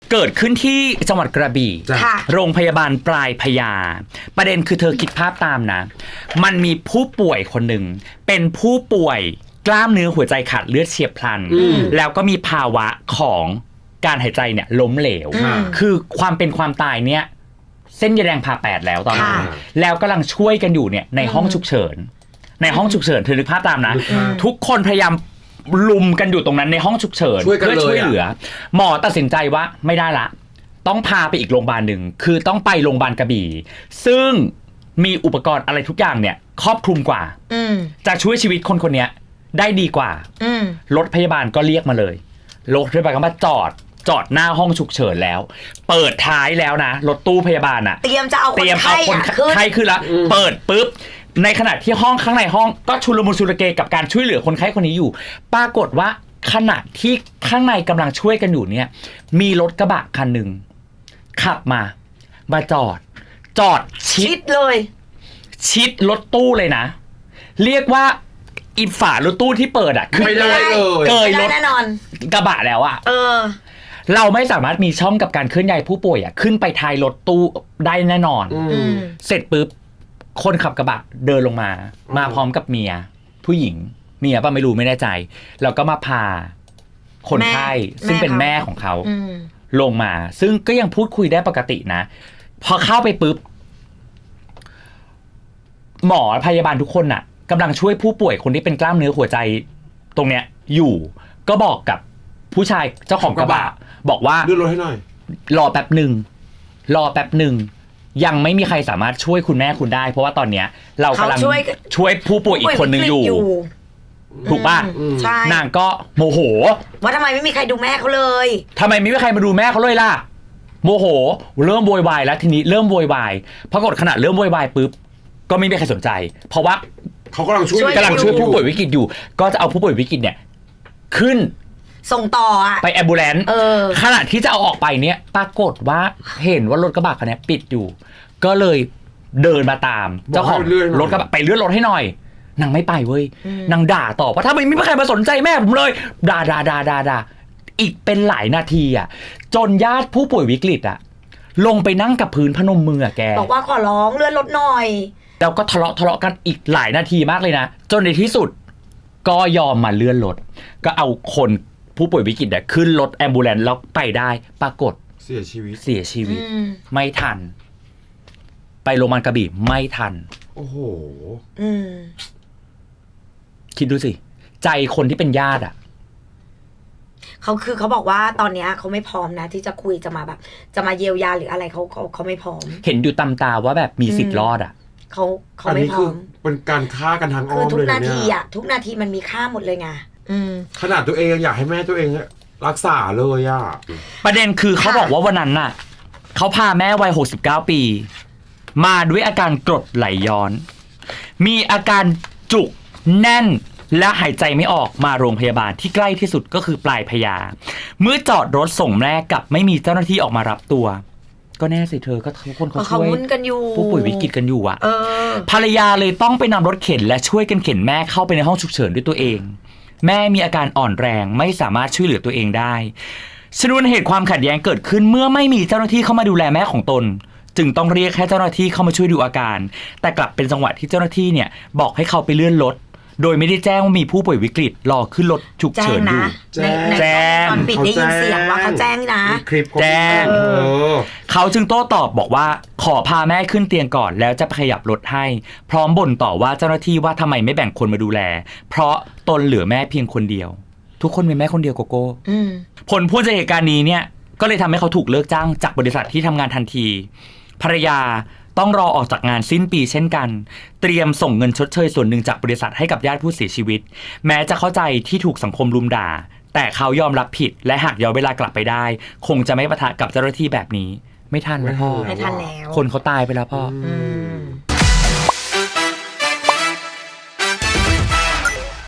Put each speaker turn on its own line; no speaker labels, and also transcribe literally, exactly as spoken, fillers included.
เกิดขึ้นที่จังหวัดกระบี่โรงพยาบาลปลายพญาประเด็นคือเธอคิดภาพตามนะมันมีผู้ป่วยคนหนึ่งเป็นผู้ป่วยกล้ามเนื้อหัวใจขาดเลือดเฉียบพลันแล้วก็มีภาวะของการหายใจเนี่ยล้มเหลวคือความเป็นความตายเนี่ยเส้นยาแดงผ่าแปดแล้วตอนนี้แล้วกำลังช่วยกันอยู่เนี่ยในห้องฉุกเฉินในห้องฉุกเฉินเธอนึกภาพตามนะทุกคนพยายามลุมกันอยู่ตรงนั้นในห้องฉุกเฉินเพื่อช่วยเหลือหมอตัดสินใจว่าไม่ได้ละต้องพาไปอีกโรงพยาบาลหนึ่งคือต้องไปโรงพยาบาลกระบี่ซึ่งมีอุปกรณ์อะไรทุกอย่างเนี่ยครอบคลุมกว่าจะช่วยชีวิตคนคนนี้ได้ดีกว่ารถพยาบาลก็เรียกมาเลยรถพยาบาลก็มาจอดจอดหน้าห้องฉุกเฉินแล้วเปิดท้ายแล้วนะรถตู้พยาบาลอ่ะ
เตรียมจะเอาคนไข้
ไข้ขึ้นละเปิดปุ๊บในขณะที่ห้องข้างในห้องก็ชุลมุนชุลเกกับการช่วยเหลือคนไข้คนนี้อยู่ปรากฏว่าขณะที่ข้างในกำลังช่วยกันอยู่เนี่ยมีรถกระบะคันหนึ่งขับมามาจอดจอดชิด
เลย
ชิดรถตู้เลยนะเรียกว่าอีฝารถตู้ที่เปิดอ่ะคือ
ไม่ได้เลย
เกยรถ
แน่นอน
กระบะแล้วอ่ะ
เออ
เราไม่สามารถมีช่องกับการเคลื่อนย้ายผู้ป่วยอ่ะขึ้นไปท้ายรถตู้ได้แน่นอนเสร็จปุ๊บคนขับกระบะเดินลงมามาพร้อมกับเมียผู้หญิงเมียป่ะไม่รู้ไม่แน่ใจแล้วก็มาพาคนไข้ซึ่งเป็นแม่ของเขาลงมาซึ่งก็ยังพูดคุยได้ปกตินะพอเข้าไปปุ๊บหมอพยาบาลทุกคนน่ะกำลังช่วยผู้ป่วยคนที่เป็นกล้ามเนื้อหัวใจตรงเนี้ยอยู่ก็บอกกับผู้ชายเจ้าของกระบะบอกว่า
เลื่อนรถให้หน่อย
รอแป๊บหนึ่งรอแป๊บหนึ่งยังไม่มีใครสามารถช่วยคุณแม่คุณได้เพราะว่าตอนเนี้ยเรากำลังช่วยผู้ป่วยอีกคนนึงอยู่ถูกป่ะนางก็โมโห
ว่าทำไมไม่มีใครดูแม่เขาเลย
ทำไมไม่มีใครมาดูแม่เขาเลยล่ะโมโหเริ่มโวยวายแล้วทีนี้เริ่มโวยวายปรากฏขณะเริ่มโวยวายปุ๊บก็ไม่มีใครสนใจเพราะว่า
เขากำลังช่วย
กำลังช่วยผู้ป่วยวิกฤตอยู่ก็จะเอาผู้ป่วยวิกฤตเนี่ยขึ้น
ส่งต่ออะ
ไปแอมบูเลนซ์ขณะที่จะเอาออกไปเนี่ยปรากฏว่าเห็นว่ารถกระบะคันนี้ปิดอยู่ก็เลยเดินมาตามเจ้าของรถกระบะไปเลื่อนรถให้หน่อยนางไม่ไปเว้ยนางด่าต่อว่าถ้าไม่มีใครมาสนใจแม่ผมเลยด่าด่าด่าด่าด่าอีกเป็นหลายนาทีอ่ะจนญาติผู้ป่วยวิกฤตอ่ะลงไปนั่งกับพื้นพนมมือแก
บอกว่าขอร้องเลื่อนรถหน่อย
แล้วก็ทะเลาะทะเลาะกันอีกหลายนาทีมากเลยนะจนในที่สุดก็ยอมมาเลื่อนรถก็เอาคนผู้ป่วยวิกฤตเนี่ยขึ้นรถแอมบูเลนซ์แล้วไปได้ปรากฏ
เสียชีวิต
เสียชีวิตไม่ทันไปโรงพยาบาลกระบี่ไม่ทัน
โอ้โห
คิดดูสิใจคนที่เป็นญาติอ่ะ
เขาคือเขาบอกว่าตอนนี้เขาไม่พร้อมนะที่จะคุยจะมาแบบจะมาเยียวยาหรืออะไรเขาเขาเขาไม่พร้อม
เห็นอยู่ตำตาว่าแบบมีสิทธิ์รอดอ่ะ
เขาเขาไม่พร้อม
เป็นการฆ่ากันทางอ้อมเลย
คือทุกนาทีอ่ะทุกนาทีมันมีค่าหมดเลยไง
ขนาดตัวเองอยากให้แม่ตัวเองรักษาเลยอ่ะ
ประเด็นคือเขาบอกว่าวันนั้นน่ะเขาพาแม่วัยหกสิบเก้าปีมาด้วยอาการกรดไหลย้อนมีอาการจุกแน่นและหายใจไม่ออกมาโรงพยาบาลที่ใกล้ที่สุดก็คือปลายพญาเมื่อจอดรถส่งแม่กับไม่มีเจ้าหน้าที่ออกมารับตัวก็แน่สิเธอก็ทุกคนเขาช่วยผู้ป่วยวิกฤตกันอยู่อ่ะภรรยาเลยต้องไปนำรถเข็นและช่วยกันเข็นแม่เข้าไปในห้องฉุกเฉินด้วยตัวเองแม่มีอาการอ่อนแรงไม่สามารถช่วยเหลือตัวเองได้ชนวนเหตุความขัดแย้งเกิดขึ้นเมื่อไม่มีเจ้าหน้าที่เข้ามาดูแลแม่ของตนจึงต้องเรียกแค่เจ้าหน้าที่เข้ามาช่วยดูอาการแต่กลับเป็นจังหวะที่เจ้าหน้าที่เนี่ยบอกให้เขาไปเลื่อนรถโดยไม่ได้แจ้งว่ามีผู้ป่วยวิกฤตรอขึ้นรถฉุกเฉินอยู่
แจ้งตอนปิดได้ยินเสียงว่าเขาแจ้งนะ
แจ้งเขาจึงโต้ตอบบอกว่าขอพาแม่ขึ้นเตียงก่อนแล้วจะขยับรถให้พร้อมบ่นต่อว่าเจ้าหน้าที่ว่าทำไมไม่แบ่งคนมาดูแลเพราะตนเหลือแม่เพียงคนเดียวทุกคนมีแม่คนเดียวโกโก้ผลพูดจากเหตุการณ์นี้เนี่ยก็เลยทำให้เขาถูกเลิกจ้างจากบริษัทที่ทำงานทันทีภรรยาต้องรอออกจากงานสิ้นปีเช่นกันเตรียมส่งเงินชดเชยส่วนหนึ่งจากบริษัทให้กับญาติผู้เสียชีวิตแม้จะเข้าใจที่ถูกสังคมรุมด่าแต่เขายอมรับผิดและหากย้อนเวลากลับไปได้คงจะไม่ปะทะกับเจ้าหน้าที่แบบนี้ไม่ทันแล้วพ่อ
ไม่ทันแล้ว
คนเขาตายไปแล้วพ่อ